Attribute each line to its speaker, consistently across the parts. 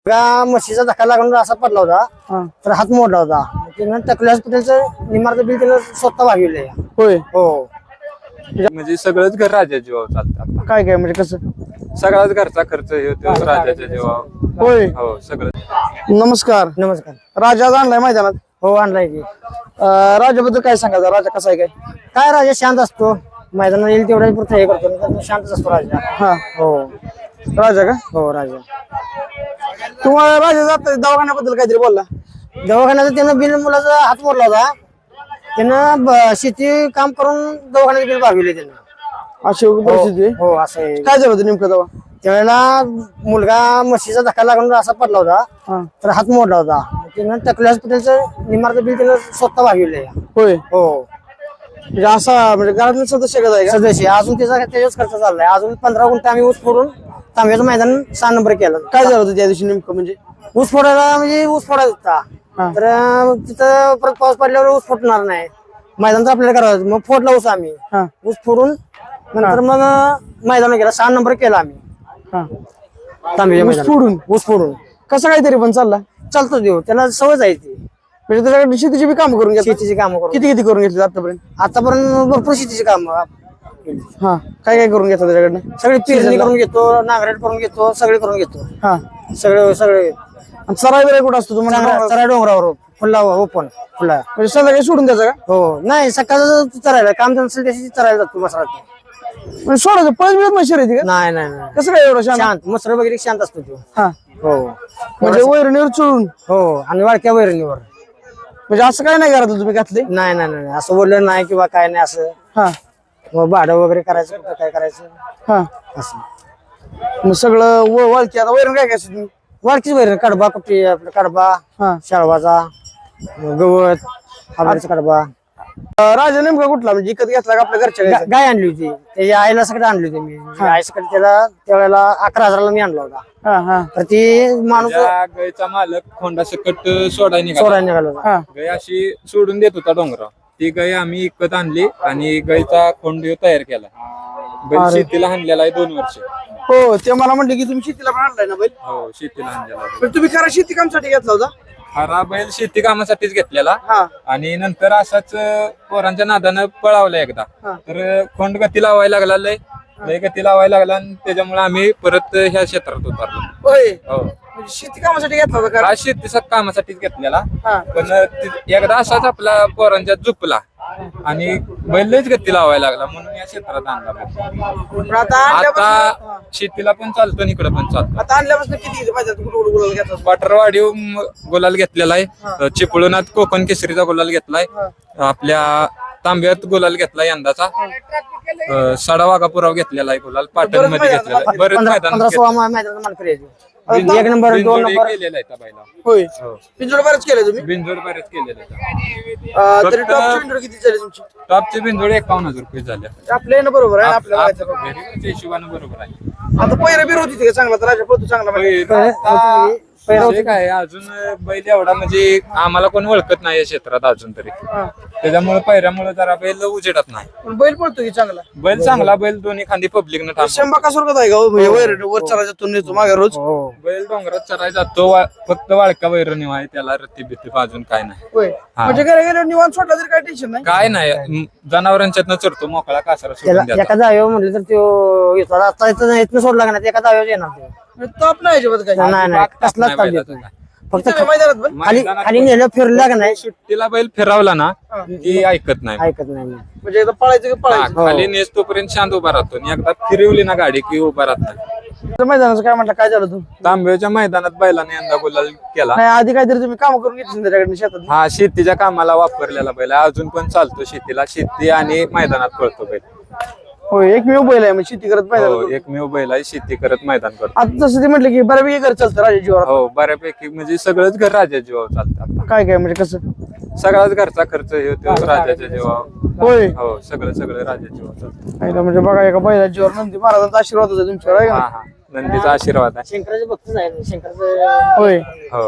Speaker 1: म्हशीचा धक्का लागून असा पडला होता तर हात मोडला होता. त्यानं टकले हॉस्पिटलचं निमार्त बिल त्यानं स्वतः भागविलंय.
Speaker 2: होय.
Speaker 1: हो
Speaker 3: म्हणजे सगळंच घर राजाच्या जीवावर चालतं.
Speaker 2: काय काय म्हणजे कसं
Speaker 3: सगळाच घरचा खर्च हे होतो राजाच्या जीवावर.
Speaker 2: होय.
Speaker 3: हो सगळं.
Speaker 2: नमस्कार.
Speaker 1: नमस्कार.
Speaker 2: राजा आज आणलाय मैदानात.
Speaker 1: हो आणलाय की.
Speaker 2: राजाबद्दल काय सांगायचं? राजा कसा आहे
Speaker 1: काय राजा शांत असतो. मैदानात येईल तेवढा पुरतं हे करतो नाही तर शांतच असतो राजा.
Speaker 2: हा
Speaker 1: हो
Speaker 2: राजा का?
Speaker 1: हो राजा.
Speaker 2: तुम्हाला राजा जात दवाखान्याबद्दल काहीतरी बोलला.
Speaker 1: दवाखान्याचं त्यानं बिल मुलाचा हात मोडला होता. त्यानं शेती काम करून दवाखान्याचं बिल भागविले त्यानं.
Speaker 2: अशी परिस्थिती आहे.
Speaker 1: हो असं आहे.
Speaker 2: काय झालं होतं नेमकं तेव्हा?
Speaker 1: त्यावेळेला मुलगा म्हशीचा धक्का लागून असा पडला होता तर हात मोडला होता. त्यानं टकले हॉस्पिटलचं निमार्त बिल त्यानं स्वतः भागविलंय.
Speaker 2: होय.
Speaker 1: हो
Speaker 2: म्हणजे असा म्हणजे घरातले सदस्य कसं आहे का?
Speaker 1: सदस्य अजून त्याचाच खर्च चाललाय. अजून 15 गुंठे आम्ही ऊस फोडून तांब्याचं मैदान 6 नंबर केलं.
Speaker 2: काय झालं होतं त्या दिवशी नेमकं म्हणजे?
Speaker 1: ऊस फोडायला म्हणजे ऊस फोडायचा होता. तर तिथं परत पाऊस पडल्यावर ऊस फुटणार नाही. मैदान तर आपल्याला करायचं. मग फोडला ऊस आम्ही.
Speaker 2: हा
Speaker 1: ऊस फोडून नंतर मग मैदान केला. 6 नंबर केला आम्ही
Speaker 2: हा.
Speaker 1: तांब्याच्या
Speaker 2: ऊस
Speaker 1: मैदानात.
Speaker 2: फोडून
Speaker 1: ऊस फोडून
Speaker 2: कसं काहीतरी पण चालला
Speaker 1: चालतो देऊ. त्याला सवय आहे ती.
Speaker 2: म्हणजे त्याच्याकडे शेतीची बी कामं करून घेतली.
Speaker 1: शेतीची कामं करून
Speaker 2: किती किती करून घेतली आतापर्यंत?
Speaker 1: आतापर्यंत भरपूर शेतीची कामं
Speaker 2: हा काय काय करून घेतलं त्याच्याकडनं?
Speaker 1: सगळी पेरणी करून घेतो, नांगरट करून घेतो, सगळे करून घेतो.
Speaker 2: हा.
Speaker 1: सगळे
Speaker 2: आणि चराई वगैरे कुठं असतो तुम्हाला?
Speaker 1: चरा डोंगरावर खुला ओपन खुला.
Speaker 2: म्हणजे संध्याकाळी सोडून द्यायचं का?
Speaker 1: हो नाही सकाळचं चरायला काम नसेल त्याची चरायला जातो मसरात.
Speaker 2: म्हणजे सोडायचं पळत मिळत नाही शर्यती का?
Speaker 1: नाही नाही नाही
Speaker 2: कसं काय एवढं शांत?
Speaker 1: शांत मसर वगैरे शांत असतो तो.
Speaker 2: हा
Speaker 1: हो
Speaker 2: म्हणजे वैरणीवर चोळून
Speaker 1: हो आणि वाळक्या वैरणीवर.
Speaker 2: म्हणजे असं काय नाही घरातलं तुम्ही घातले?
Speaker 1: नाही नाही नाही असं बोललं नाही किंवा काय नाही असं.
Speaker 2: हा
Speaker 1: मग भाडं वगैरे करायचं कुठं काय करायचं
Speaker 2: हा.
Speaker 1: असं.
Speaker 2: मग सगळं वळकी आता वैरण काय काय असतं तुम्ही?
Speaker 1: वाळकीच वैरण कडबा कुठे आपलं कडबा
Speaker 2: हा.
Speaker 1: शाळवाचा गवत हरभऱ्याचा कडबा.
Speaker 2: राजा नेमका कुठला म्हणजे इकत घेतला का आपल्या घरच्या गायचा?
Speaker 1: गाय आणली होती त्याच्या आईला सगळं आणली होती मी. आईसकडे त्याला त्यावेळेला 11,000ला मी आणला होता.
Speaker 2: हा हा
Speaker 1: तर ती माणूस
Speaker 3: त्या गायचा मालक खोंडा सकट सोडायला निघाला.
Speaker 1: सोडायला निघाला होता.
Speaker 2: हा
Speaker 3: गाय अशी सोडून देत होता डोंगरावर. ती गाय आम्ही इकत आणली आणि गायचा खोंड तयार केला. बैल शेतीला आणलेला आहे 2 वर्ष.
Speaker 2: हो ते मला म्हणले की तुम्ही शेतीला पण आणलाय ना बैल.
Speaker 3: हो शेतीला आणलेला आहे.
Speaker 2: पण तुम्ही खरा शेती कामसाठी घेतला होता?
Speaker 3: खरा बैल शेती कामासाठीच घेतलेला.
Speaker 2: हा
Speaker 3: आणि नंतर असाच पोरांच्या नादानं पळावला एकदा.
Speaker 2: हा.
Speaker 3: तर खोंड गती लावायला लागला. लय गती लावायला लागला आणि त्याच्यामुळे आम्ही परत ह्या क्षेत्रात उतरलो.
Speaker 2: होय.
Speaker 3: हो
Speaker 2: म्हणजे शेती कामासाठी घेतला होता का?
Speaker 3: हा शेतीचा कामासाठीच घेतलेला.
Speaker 2: हा
Speaker 3: पण एकदा असाच आपला पोरांच्या झुपला आणि बैल लयच गती लावायला लागला म्हणून या क्षेत्रात आणला बैल.
Speaker 2: पण आता आणल्यापासून
Speaker 3: आता शेतीला पण चालतो आणि इकडे पण चालतो.
Speaker 2: आता आणल्यापासून किती पाहिजे कुठं कुठं गुलाल घेतला?
Speaker 3: पाटरवाडी गुलाल घेतलेला आहे. चिपळूणात कोकण केसरीचा गुलाल घेतलाय. आपल्या तांब्यात गुलाल घेतला यंदाचा. सडावागापुराव घेतलेला आहे गुलाल. पाटण मध्ये घेतलेला आहे. बरेच
Speaker 1: 15-16 मैदानात मानकरी आहे. 1 नंबर 2 नंबर
Speaker 3: केलेला आहे त्या बैला.
Speaker 2: होय.
Speaker 3: हो.
Speaker 2: पिंजोड बरेच केले तुम्ही?
Speaker 3: बिनजोड बरेच केलेले आहेत.
Speaker 2: तरी टॉप पिंजोड किती झाले तुमची?
Speaker 3: टॉपचे बिनजोड 51,000 रुपये झाले.
Speaker 2: आपल्या येणं बरोबर आहे आपल्याला व्हायचं बरोबर.
Speaker 3: घरी हिशोबानं बरोबर आहे.
Speaker 2: आता पहिला बिर होती का चांगला? तर राजा पळतो चांगला म्हणजे.
Speaker 3: विषय काय अजून बैल एवढा म्हणजे आम्हाला कोण ओळखत नाही या क्षेत्रात अजून तरी.
Speaker 2: हा.
Speaker 3: त्याच्यामुळे पैऱ्यामुळे जरा बैल उजेडत नाही.
Speaker 2: पण बैल पळतो की चांगला?
Speaker 3: बैल चांगला. बैल दोन्ही खांदी पब्लिकनं थांबतो.
Speaker 2: शंभा कसं आहे का? म्हणजे वर चराच्यातून नेतो मागे रोज.
Speaker 1: हो
Speaker 3: बैल डोंगरात चरायला जातो. फक्त वाळका वैरण आहे त्याला. रत्ती बित्ती अजून काय नाही.
Speaker 2: होय. म्हणजे घरी गेल्यावर निवांत सोडला तरी काय टेन्शन नाही?
Speaker 3: काय नाही. जनावरांच्यातनं चरतो मोकळा कासारा सोडून
Speaker 1: त्याला
Speaker 3: द्यायचा.
Speaker 1: एका जागेवर म्हटलं तर तो येतो. आता इथनं सोडला का नाही एका जागेवर येणार तो.
Speaker 2: म्हणजे ताप नाही अजिबात काय?
Speaker 1: नाही नाही कसलाच
Speaker 3: नाही
Speaker 1: ताप
Speaker 3: बैलाचा
Speaker 1: देतो.
Speaker 3: काय.
Speaker 1: फक्त
Speaker 2: इथे मैदानात पण?
Speaker 1: खाली खाली नेलं फिरला का नाही
Speaker 3: सुट्टीला बैल फिरवला ना की ऐकत नाही.
Speaker 1: ऐकत नाही मी.
Speaker 2: म्हणजे एकदा पळायचं की
Speaker 3: हा,
Speaker 2: पळायचं?
Speaker 3: खाली नेस तोपर्यंत शांत उभा राहतो आणि एकदा फिरवली ना गाडी की उभा राहत नाही.
Speaker 2: तर मैदानाचं काय म्हटलं? काय झालं तू?
Speaker 3: तांब्याच्या मैदानात बैलाने यंदा गुलाल केला.
Speaker 2: नाही आधी काहीतरी तुम्ही काम करून घेतली त्याच्याकडे शेतात?
Speaker 3: हा शेतीच्या कामाला वापरलेला बैल आहे. अजून पण चालतो शेतीला. शेती आणि मैदानात पळतो बैल.
Speaker 2: होय. एकमेव बैल आहे मग शेती करत
Speaker 3: हो
Speaker 2: पाहिजे.
Speaker 3: एकमेव बैल आहे. शेती करत मैदान करतो.
Speaker 2: आता जसं ते म्हटलं की बऱ्यापैकी घर चालतं राजा जीवावर.
Speaker 3: हो बऱ्यापैकी म्हणजे सगळंच घर राजाच्या जीवावर चालतं.
Speaker 2: काय काय म्हणजे कसं?
Speaker 3: सगळाच घरचा खर्च हे होतो राजाच्या जीवावर.
Speaker 2: होय.
Speaker 3: हो सगळं राजाच्या जीवावर चालतं.
Speaker 2: नाही तर म्हणजे बघा एका बैला जीवावर नंदी महाराजांचा आशीर्वाद होता तुमच्यावर आहे
Speaker 3: हा
Speaker 2: का?
Speaker 3: हा नंदीचा आशीर्वाद आहे.
Speaker 1: शंकराचे भक्तच आहे शंकराचं.
Speaker 2: होय.
Speaker 3: हो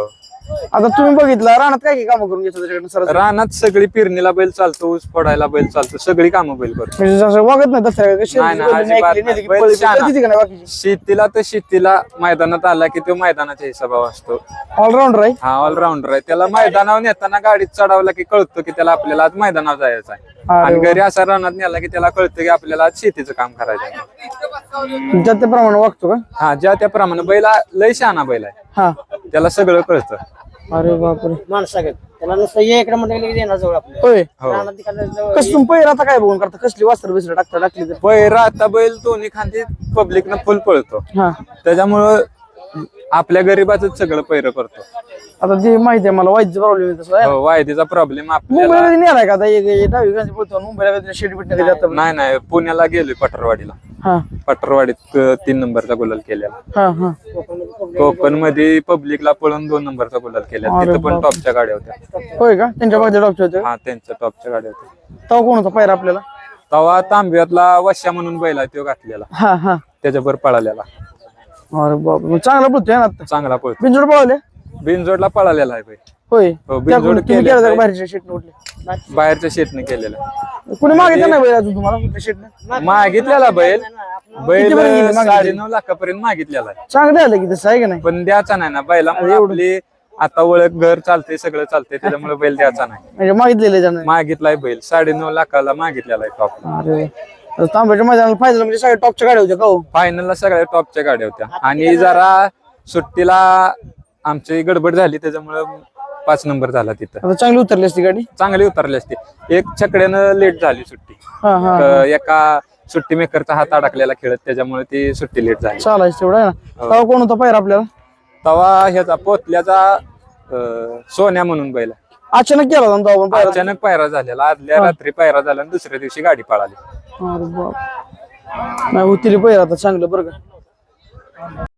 Speaker 2: आता तुम्ही बघितलं रानात काय काय कामं करून घेतो त्याच्याकडनं सर
Speaker 3: रानात सगळी पेरणीला बैल चालतो, ऊस फोडायला बैल चालतो, सगळी कामं बैल करतो.
Speaker 2: म्हणजे जसं वागत नाही दसऱ्या कशी
Speaker 3: नाही, नाही, अजिबात नाही. बैल शहाणा. शेतीला तर शेतीला मैदानात आला की तो मैदानाच्या हिशोबावर असतो.
Speaker 2: ऑलराऊंडर आहे.
Speaker 3: हा ऑलराऊंडर आहे. त्याला मैदानावर नेताना गाडीत चढवला की कळतं की त्याला आपल्याला आज मैदानावर जायचं आहे. आणि घरी असा रानात नेला की त्याला कळतं की आपल्याला आज शेतीचं काम करायचं आहे.
Speaker 2: ज्या त्याप्रमाणे वागतो का?
Speaker 3: हा ज्या त्याप्रमाणे बैल लय शहाणा बैल आहे.
Speaker 2: हा.
Speaker 3: त्याला सगळं कळतं.
Speaker 2: अरे बापरे.
Speaker 1: माणसागत त्याला नुसतं ये इकडे म्हटलं की येणार जवळ आपल्या
Speaker 2: होय.
Speaker 1: रानात तिकडं जवळ
Speaker 2: कसं तुम्ही पहिला आता काय बघून करता? कसली वस्त्र बिस्त्र टाकली तर?
Speaker 3: पैरा आता बैल दोन्ही खांदी पब्लिकनं फुल पळतो.
Speaker 2: हा.
Speaker 3: त्याच्यामुळं आपल्या गरीबाच सगळं पैर करतो.
Speaker 2: आता ते माहिती आहे मला वाईटचा प्रॉब्लेम आहे तसं.
Speaker 3: हो, वायदीचा प्रॉब्लेम आपल्याला
Speaker 2: मुंबईला कधी नेलाय का आता एक डावी गांधी बोलतो मुंबईला कधी शेड बिट कधी आता?
Speaker 3: नाही नाही पुण्याला गेलोय पटरवाडीला.
Speaker 2: हा
Speaker 3: पटरवाडीत 3 नंबरचा गुलाल केलेला.
Speaker 2: हा हा.
Speaker 3: कोकण मध्ये पब्लिकला पळून 2 नंबरचा गुलाल केला. तिथं पण टॉपच्या गाड्या होत्या.
Speaker 2: होय का? त्यांच्या बाजूला डॉक्टर होते.
Speaker 3: हा त्यांच्या टॉपच्या गाड्या होत्या.
Speaker 2: तेव्हा कोण होता पायरा आपल्याला?
Speaker 3: तवा तांब्यातला वश्या म्हणून बैल आहे तो घातलेला,
Speaker 2: हा हा.
Speaker 3: त्याच्यावर पळालेला.
Speaker 2: अरे बाप चांगला बोलतोय ना आता.
Speaker 3: चांगला पळतो.
Speaker 2: बिंजोड पळवले.
Speaker 3: बिनजोडला पळालेला आहे बैल.
Speaker 2: होय.
Speaker 3: हो, बिनजोड
Speaker 2: तुम्ही केलं का बाहेरच्या शेटने उठले?
Speaker 3: बाहेरच्या शेतने केलेला.
Speaker 2: कुणी मागितलं नाही बैल अजून तुम्हाला कुठल्या शेटने?
Speaker 3: मागितलेला बैल
Speaker 2: किती पर्यंत गेली?
Speaker 3: 9.5 लाखापर्यंत मागितलेला आहे.
Speaker 2: चांगलं आलं की तसं आहे का नाही?
Speaker 3: पण द्यायचा नाही ना बैलामुळे आपली आता ओळख घर चालते सगळं चालते त्याच्यामुळे बैल द्यायचा नाही.
Speaker 2: म्हणजे मागितलेले जाणार.
Speaker 3: मागितलाय बैल 9.5 लाखाला मागितलेला आहे टॉप.
Speaker 2: अरे तांब्याच्या मैदानाला फायदा म्हणजे सगळ्या टॉपच्या गाड्या होत्या का हो?
Speaker 3: फायनलला सगळ्या टॉपच्या गाड्या होत्या. आणि जरा सुट्टीला आमची गडबड झाली त्याच्यामुळे 5 नंबर झाला तिथं.
Speaker 2: आता चांगली उतरली असती गाडी.
Speaker 3: चांगली उतरली असती. एक छकड्यानं लेट झाली सुट्टी.
Speaker 2: हा हा.
Speaker 3: एका सुट्टी मेकरचा हात अडकलेला खेळत त्याच्यामुळे ती सुट्टी लेट झाली.
Speaker 2: चालायचं तेवढं आहे ना. तेव्हा कोण होता पायरा आपल्याला?
Speaker 3: तवा ह्याचा पोतल्याचा सोन्या म्हणून बैल आहे.
Speaker 2: अचानक केला होता ना तेव्हा आपण पायरा?
Speaker 3: अचानक पायरा झालेला. आदल्या रात्री पायरा झाला आणि दुसऱ्या दिवशी गाडी पळाली.
Speaker 2: अरे बाप. नाही होतील पायरा आता चांगलं बरं का.